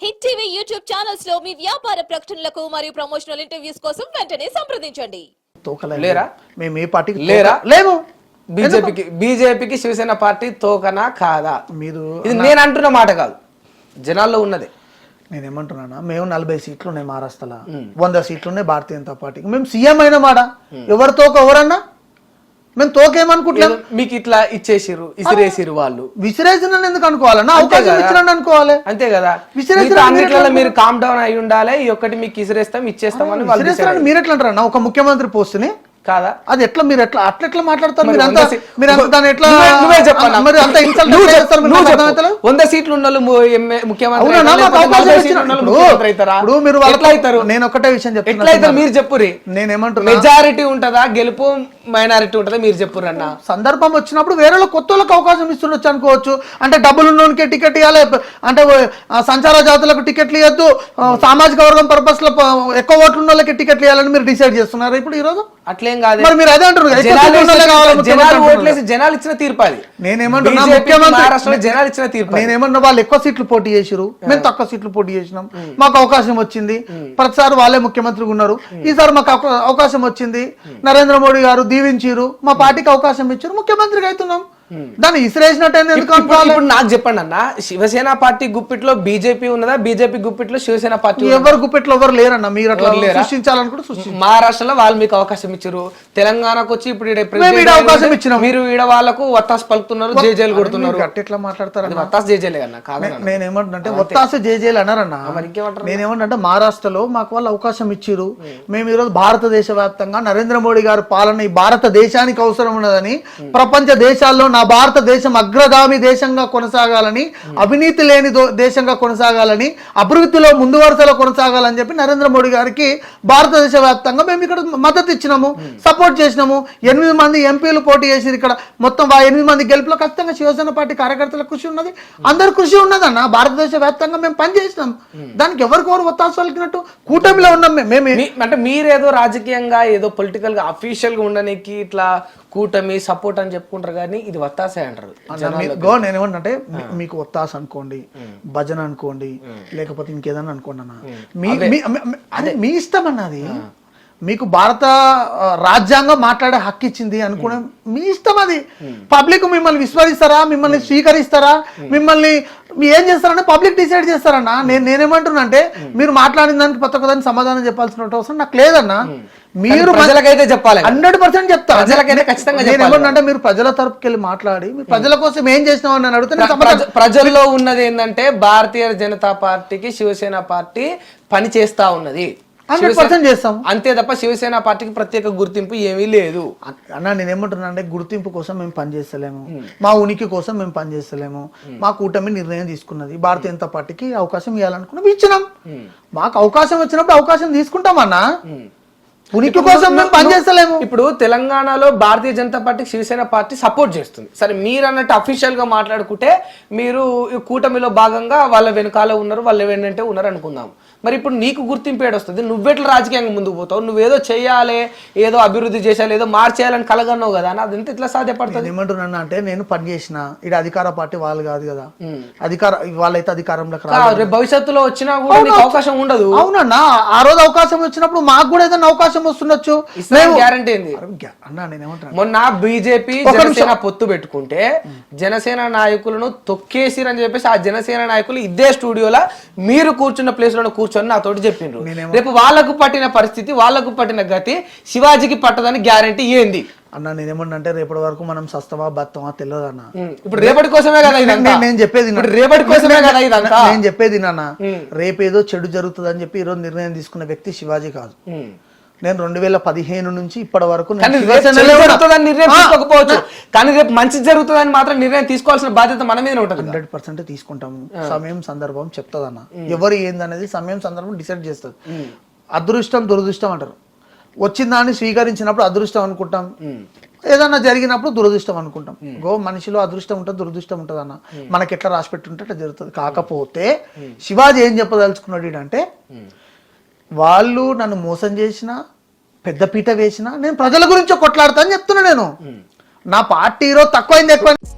Hit TV YouTube channels లో మీ వ్యాపార ప్రకటనలకు మరియు ప్రమోషనల్ ఇంటర్వ్యూస్ కోసం వెంటనే సంప్రదించండి. లేరా మేము ఏ పార్టీకి లేరా లేము. బీజేపీకి శివసేన పార్టీ తోకనా కాదా? మీరు ఇది నేను అంటున్న మాట కాదు, జనాల్లో ఉన్నది. నేనేమంటున్నా, మేము 40 సీట్లు ఉన్నాయి మహారాష్ట్రలో, 100 సీట్లు ఉన్నాయి భారతీయ జనతా పార్టీకి. మేము సీఎం అయిన మాట ఎవరు తోక ఎవరన్నా మేము తోకేమనుకుంటున్నాం. మీకు ఇట్లా ఇచ్చేసిరు, ఇసిరేసిరు. వాళ్ళు విసిరేసిన ఎందుకు అనుకోవాలన్నా, అవకాశం ఇచ్చినా అనుకోవాలి. అంతే కదా, అన్నిట్లలో మీరు కామ్ డౌన్ అయి ఉండాలి. ఈ ఒక్కటి మీకు ఇసిరేస్తాం ఇచ్చేస్తామని వాళ్ళు. మీరు ఎట్లా అంటారన్నా ఒక ముఖ్యమంత్రి పోస్ట్ని కాదా? అది ఎట్లా మీరు ఎట్లా మాట్లాడతారు? మీరు దాన్ని ఎట్లా నువ్వే చెప్పాలి. మరి అంత ఇన్సల్ట్ 100 సీట్లు ఉన్న ముఖ్యమంత్రి నేను ఒకటే విషయం చెప్తాను, మీరు చెప్పురి. నేనేమంటున్నా, మెజారిటీ ఉంటదా గెలుపు, మైనారిటీ ఉంటదా? మీరు చెప్పురు అన్న. సందర్భం వచ్చినప్పుడు వేరే కొత్త వాళ్ళకి అవకాశం ఇస్తుండొచ్చు అనుకోవచ్చు. అంటే డబ్బులు ఉన్నోనికే టికెట్ ఇవ్వాలి, అంటే సంచార జాతులకు టికెట్లు ఇవ్వద్దు, సామాజిక వర్గం పర్పస్ లో ఎక్కువ ఓట్లు ఉన్న వాళ్ళకి టికెట్లు ఇవ్వాలని మీరు డిసైడ్ చేస్తున్నారు ఇప్పుడు ఈ రోజు. అట్లేం కాదు, మీరు అదే అంటారు. జనాలు ఇచ్చిన తీర్పు అది. నేనేమంటున్నా, ముఖ్యమంత్రి జనాలు ఇచ్చిన తీర్పు. నేనేమన్నా వాళ్ళు ఎక్కువ సీట్లు పోటీ చేసిరు, మేము తక్కువ సీట్లు పోటీ చేసినాం, మాకు అవకాశం వచ్చింది. ప్రతిసారి వాళ్ళే ముఖ్యమంత్రిగా ఉన్నారు, ఈసారి మాకు అవకాశం వచ్చింది. నరేంద్ర మోడీ గారు దీవించారు, మా పార్టీకి అవకాశం ఇచ్చారు, ముఖ్యమంత్రిగా అవుతున్నాం. దాన్ని ఇసిరేసినట్టు ఇప్పుడు నాకు చెప్పండి అన్న, శివసేన పార్టీ గుప్పిట్లో బీజేపీ ఉన్నదా, బీజేపీ గుప్పిట్లో శివసేన పార్టీ? ఎవరు గుప్పిట్లో ఎవరు లేరన్న. మీరు అట్లా సృష్టించాలనుకుంటే సృష్టించారు. మహారాష్ట్రలో వాళ్ళు మీకు అవకాశం ఇచ్చారు, తెలంగాణకు వచ్చి ఇప్పుడు అవకాశం ఇచ్చిన మీరు ఈడ వాళ్ళకు ఒత్తాసు పలుకుతున్నారు, జేజేలు కొడుతున్నారు. ఎట్లా మాట్లాడతారు? ఒత్తాసు జేజేలే అన్న. నేనేమంటున్నా, ఒత్తాసు జేజేలు అన్నారన్న. నేనేమంటే మహారాష్ట్రలో మాకు వాళ్ళు అవకాశం ఇచ్చారు. మేము ఈరోజు భారతదేశ వ్యాప్తంగా నరేంద్ర మోడీ గారు పాలన ఈ భారతదేశానికి అవసరం ఉన్నదని, ప్రపంచ దేశాల్లో నా భారతదేశం అగ్రగామి దేశంగా కొనసాగాలని, అవినీతి లేని దేశంగా కొనసాగాలని, అభివృద్ధిలో ముందు వరుసలో కొనసాగాలని చెప్పి నరేంద్ర మోడీ గారికి భారతదేశ వ్యాప్తంగా మేము ఇక్కడ మద్దతు ఇచ్చినాము, సపోర్ట్ చేసినాము. 8 మంది ఎంపీలు పోటీ చేసి ఇక్కడ మొత్తం 8 మంది గెలుపులో ఖచ్చితంగా శివసేన పార్టీ కార్యకర్తల కృషి ఉన్నది, అందరు కృషి ఉన్నదన్న. భారతదేశ వ్యాప్తంగా మేము పనిచేసినాం, దానికి ఎవరికెవరు ఒత్తాసు పలికినట్టు కూటమిలో ఉన్నాం మేము. అంటే మీరేదో రాజకీయంగా ఏదో పొలిటికల్ గా అఫీషియల్ గా ఉండడానికి ఇట్లా కూటమి సపోర్ట్ అని చెప్పుకుంటారు, కానీ ఇది ఒత్తాసే అంటారు. నేనేమంటే మీకు ఒత్తాస అనుకోండి, భజన అనుకోండి, లేకపోతే ఇంకేదన్నా అనుకోండి అన్న, మీ ఇష్టం అన్నది. మీకు భారత రాజ్యాంగం మాట్లాడే హక్కు ఇచ్చింది అనుకునే మీ ఇష్టం అది. పబ్లిక్ మిమ్మల్ని విస్మరిస్తారా, మిమ్మల్ని స్వీకరిస్తారా, మిమ్మల్ని ఏం చేస్తారని పబ్లిక్ డిసైడ్ చేస్తారన్నా. నేనేమంటున్నా అంటే, మీరు మాట్లాడిన దానికి ప్రతి ఒక్కదానికి సమాధానం చెప్పాల్సిన అవసరం నాకు లేదన్నా. మీరు ప్రజలకైతే చెప్పాలి, 100% చెప్తా. ప్రజలకైతే ఖచ్చితంగా ఏమంటే, మీరు ప్రజల తరపుకి వెళ్ళి మాట్లాడి మీరు ప్రజల కోసం ఏం చేసినావు అని అడిగితే, ప్రజల్లో ఉన్నది ఏంటంటే భారతీయ జనతా పార్టీకి శివసేన పార్టీ పని చేస్తా ఉన్నది, 100% చేస్తాం అంతే తప్ప శివసేన పార్టీకి ప్రత్యేక గుర్తింపు ఏమీ లేదు అన్న. నేనేమంటున్నా అంటే, గుర్తింపు కోసం మేము పనిచేస్తలేము, మా ఉనికి కోసం మేము పనిచేస్తలేము. మా కూటమి నిర్ణయం తీసుకున్నది, భారతీయ జనతా పార్టీకి అవకాశం ఇవ్వాలనుకున్నాం, ఇచ్చినాం. మాకు అవకాశం వచ్చినప్పుడు అవకాశం తీసుకుంటామన్నా, ఉనికి కోసం మేము పనిచేస్తలేము. ఇప్పుడు తెలంగాణలో భారతీయ జనతా పార్టీకి శివసేన పార్టీ సపోర్ట్ చేస్తుంది. సరే, మీరు అన్నట్టు అఫీషియల్ గా మాట్లాడుకుంటే మీరు కూటమిలో భాగంగా వాళ్ళ వెనకాల ఉన్నారు, వాళ్ళ వెంటనే ఉన్నారు అనుకుందాం. మరి ఇప్పుడు నీకు గుర్తింపు ఏడొస్తుంది? నువ్వెట్లా రాజకీయంగా ముందుకు పోతావు? నువ్వేదో చేయాలి, ఏదో అభివృద్ధి చేయాలి, ఏదో మార్చేయాలని కలగన్నావు కదా, అదంతా ఇట్లా సాధ్యపడుతుంది? ఏమంటున్నా అంటే, నేను పని చేసిన ఇక్కడ అధికార పార్టీ వాళ్ళు కాదు కదా, వాళ్ళైతే అధికారంలోకి రేపు భవిష్యత్తులో వచ్చినా కూడా నీకు అవకాశం ఉండదు. అవునన్నా, ఆ రోజు అవకాశం వచ్చినప్పుడు మాకు కూడా ఏదైనా అవకాశం వస్తుండొచ్చు, గ్యారంటీ ఏంది అన్నా. నేనేమంటున్నా, మొన్న బీజేపీ జనసేన పొత్తు పెట్టుకుంటే జనసేన నాయకులను తొక్కేసిరని చెప్పేసి ఆ జనసేన నాయకులు ఇదే స్టూడియోలో మీరు కూర్చున్న ప్లేస్ లో కూర్చొని నాతోటి చెప్పిండ్రు. రేపు వాళ్ళకు పట్టిన పరిస్థితి, వాళ్ళకు పట్టిన గతి శివాజీకి పట్టదని గ్యారంటీ ఏంది అన్న? నేనేమన్నా అంటే, రేపటి వరకు మనం సస్తమా బతమా తెలియదు అన్న. ఇప్పుడు రేపటి కోసమే కదా నేను చెప్పేది, రేపటి కోసమే కదా ఇదంతా నేను చెప్పేది నాన్న. రేపేదో చెడు జరుగుతుంది అని చెప్పి ఈరోజు నిర్ణయం తీసుకున్న వ్యక్తి శివాజీ కాదు. నేను 2015 నుంచి ఇప్పటి వరకు నిర్ణయం తీసుకోకపోవచ్చు, కానీ రేపు మంచి జరుగుతుందని మాత్రం నిర్ణయం తీసుకోవాల్సిన బాధ్యత మన మీద ఉంటుంది. 100% తీసుకుంటాము. సమయం సందర్భం చెప్తుందన్న, ఎవరు ఏందనేది సమయం సందర్భం డిసైడ్ చేస్తుంది. అదృష్టం దురదృష్టం అంటారు. వచ్చిన దాన్ని స్వీకరించినప్పుడు అదృష్టం అనుకుంటాం, ఏదన్నా జరిగినప్పుడు దురదృష్టం అనుకుంటాం. మనిషిలో అదృష్టం ఉంటుంది, దురదృష్టం ఉంటుంది అన్న. మనకి ఎట్లా రాసి పెట్టుంటే అట్లా జరుగుతుంది. కాకపోతే శివాజీ ఏం చెప్పదలుచుకున్నాడు అంటే, వాళ్ళు నన్ను మోసం చేసినా, పెద్ద పీట వేసినా నేను ప్రజల గురించి కొట్లాడతా అని చెప్తున్నా. నేను నా పార్టీ ఈరోజు తక్కువైంది ఎక్కువ